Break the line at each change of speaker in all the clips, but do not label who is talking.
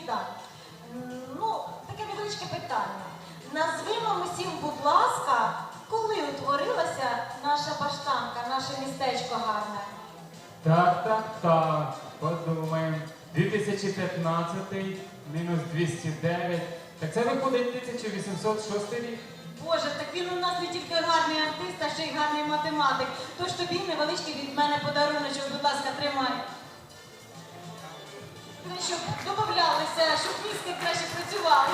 міста. Таке невеличке питання. Назвімо всім, будь ласка, коли утворилася наша баштанка, наше містечко гарне?
Так. Подумаємо. 2015 мінус 209. Так це виходить 1806 рік.
Боже, так він у нас не тільки гарний артист, а ще й гарний математик. Тож тобі невеличкий від мене подаруночок, будь ласка, тримай. Щоб додавалися, щоб мізки краще працювали.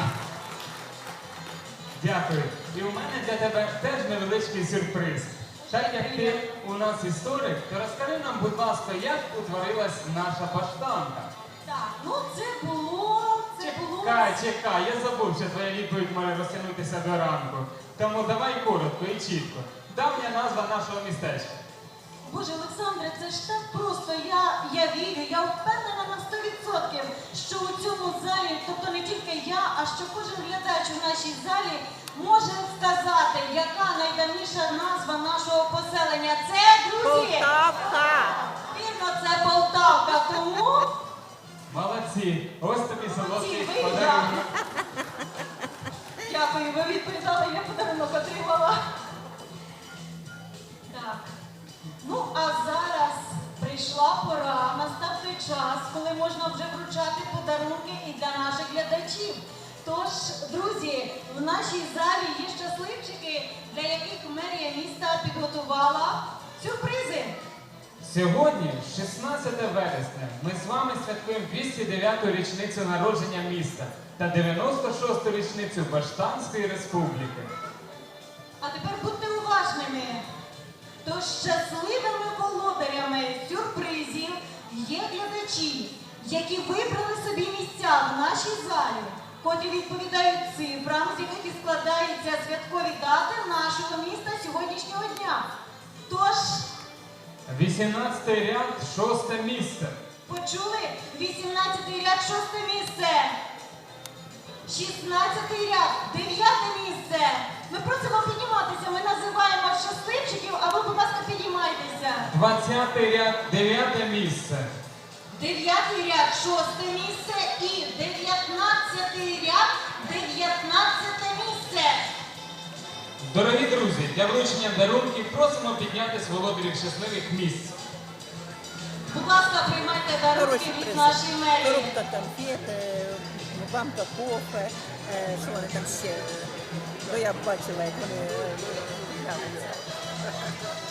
Дякую. І у мене для тебе теж невеличкий сюрприз. Так як ти у нас історик, то розкажи нам, будь ласка, як утворилась наша баштанка.
Так, це було...
Чекай, я забув, що твоя відповідь може розтягнутися до ранку. Тому давай коротко і чітко. Давня назва нашого містечка.
Боже, Олександре, це ж так просто. Я вірю, я впевнена на 100%, що у цьому залі, тобто не тільки я, а що кожен глядач у нашій залі може сказати, яка найдавніша назва нашого поселення. Це, друзі!
Полтавка!
Вірно, це Полтавка, тому...
Молодці! Ось тобі солодкий
ви,
подарунок.
Дякую, ви відповідали, я подарунок отримала. Так. А зараз прийшла пора, настав той час, коли можна вже вручати подарунки і для наших глядачів. Тож, друзі, в нашій залі є щасливчики, для яких мерія міста підготувала сюрпризи.
Сьогодні, 16 вересня, ми з вами святкуємо 209-ту річницю народження міста та 96-ту річницю Баштанської республіки.
А тепер будьте уважними. Тож щасливими володарями сюрпризів є глядачі, які вибрали собі місця в нашій залі, котрі відповідають цифрам, з яких і складаються святкові дати нашого міста сьогоднішнього дня. Тож...
18-й ряд, 6-те місце.
Почули? 18-й ряд, 6-те місце. 16-й ряд, 9-те місце. Ми просимо підніматися, ми називаємо щасливчиків, а ви, будь ласка, піднімайтеся.
20-й ряд, 9-те місце.
9-й ряд, 6-те місце і 19-й ряд, 19-те місце.
Дорогі друзі, для вручення дарунків просимо піднятись володарів щасливих місць.
Будь ласка, приймайте дарунки від нашої мерії.
Коробка конфет, банка кофе, що вони там ще. Бо я бачила, як вони.